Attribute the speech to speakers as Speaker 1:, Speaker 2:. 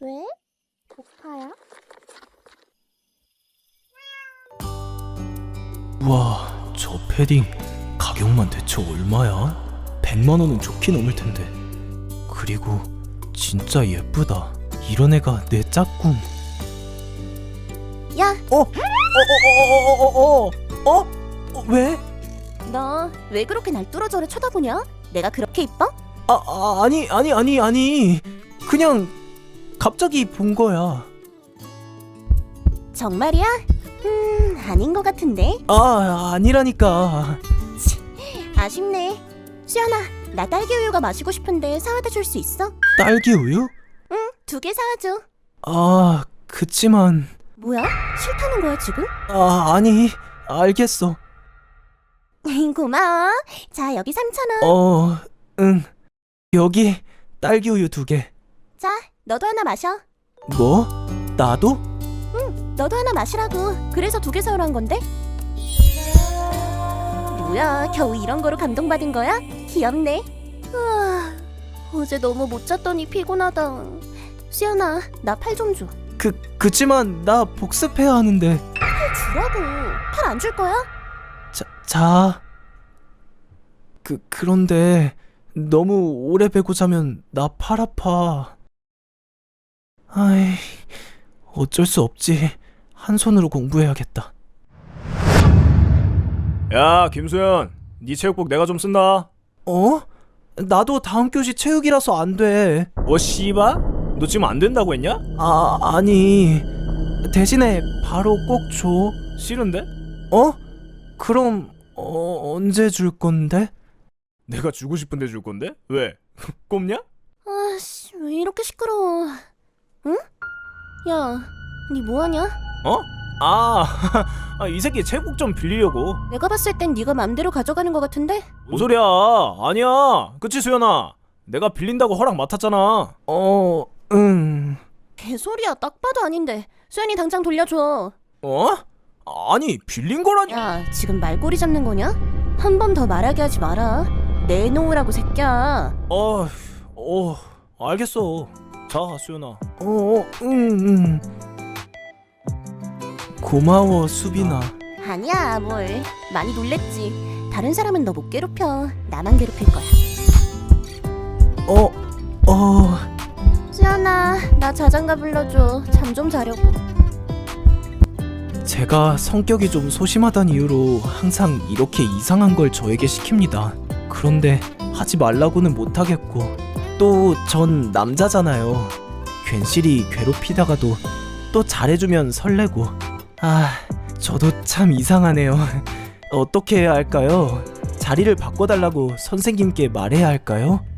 Speaker 1: 왜? 고파요?
Speaker 2: 우와, 저 패딩 가격만 대체 얼마야? 100만 원은 좋게 넘을 텐데. 그리고 진짜 예쁘다. 이런 애가 내 짝꿍.
Speaker 1: 야,
Speaker 2: 왜?
Speaker 1: 너 왜 그렇게 날 뚫어져라 쳐다보냐? 내가 그렇게 이뻐?
Speaker 2: 아니. 그냥 갑자기 본 거야.
Speaker 1: 정말이야? 아닌 것 같은데.
Speaker 2: 아니라니까.
Speaker 1: 아쉽네. 수연아, 나 딸기 우유가 마시고 싶은데 사와다 줄 수 있어?
Speaker 2: 딸기 우유?
Speaker 1: 응, 2개 사와줘.
Speaker 2: 그치만.
Speaker 1: 뭐야? 싫다는 거야 지금?
Speaker 2: 아니, 알겠어.
Speaker 1: 고마워. 자, 여기 3,000원.
Speaker 2: 응. 여기 딸기 우유 2개.
Speaker 1: 자, 너도 하나 마셔.
Speaker 2: 뭐? 나도?
Speaker 1: 너도 하나 마시라고. 그래서 2개 사오란 건데? 뭐야, 겨우 이런 거로 감동받은 거야? 귀엽네. 우와, 어제 너무 못 잤더니 피곤하다. 수연아, 나 팔 좀 줘.
Speaker 2: 그치만 나 복습해야 하는데.
Speaker 1: 팔 주라고. 팔 안 줄 거야?
Speaker 2: 자. 그런데 너무 오래 베고 자면 나 팔 아파. 아이, 어쩔 수 없지. 한 손으로 공부해야겠다.
Speaker 3: 야, 김수현, 네 체육복 내가 좀 쓴다.
Speaker 2: 나도 다음 교시 체육이라서 안 돼.
Speaker 3: 씨발? 너 지금 안 된다고 했냐?
Speaker 2: 아니. 대신에 바로 꼭 줘.
Speaker 3: 싫은데?
Speaker 2: 그럼 언제 줄 건데?
Speaker 3: 내가 주고 싶은데 줄 건데? 왜? 꼽냐?
Speaker 1: 아씨, 왜 이렇게 시끄러워. 응? 야, 니 뭐하냐?
Speaker 3: 이 새끼 체육복 좀 빌리려고.
Speaker 1: 내가 봤을 땐 네가 맘대로 가져가는 것 같은데?
Speaker 3: 뭔 소리야? 아니야. 그치, 수현아? 내가 빌린다고 허락 맡았잖아.
Speaker 2: 응.
Speaker 1: 개소리야, 딱 봐도 아닌데. 수연이 당장 돌려줘.
Speaker 3: 아니, 빌린 거라니.
Speaker 1: 야, 지금 말꼬리 잡는 거냐? 한 번 더 말하게 하지 마라. 내놓으라고, 새끼야.
Speaker 3: 알겠어. 자, 수현아.
Speaker 2: 응. 고마워, 수빈아.
Speaker 1: 아니야, 뭘. 많이 놀랬지. 다른 사람은 너 못 괴롭혀. 나만 괴롭힐 거야. 수연아, 나 자장가 불러줘. 잠 좀 자려고.
Speaker 2: 제가 성격이 좀 소심하단 이유로 항상 이렇게 이상한 걸 저에게 시킵니다. 그런데 하지 말라고는 못하겠고, 또 전 남자잖아요. 괜시리 괴롭히다가도 또 잘해주면 설레고. 저도 참 이상하네요. 어떻게 해야 할까요? 자리를 바꿔달라고 선생님께 말해야 할까요?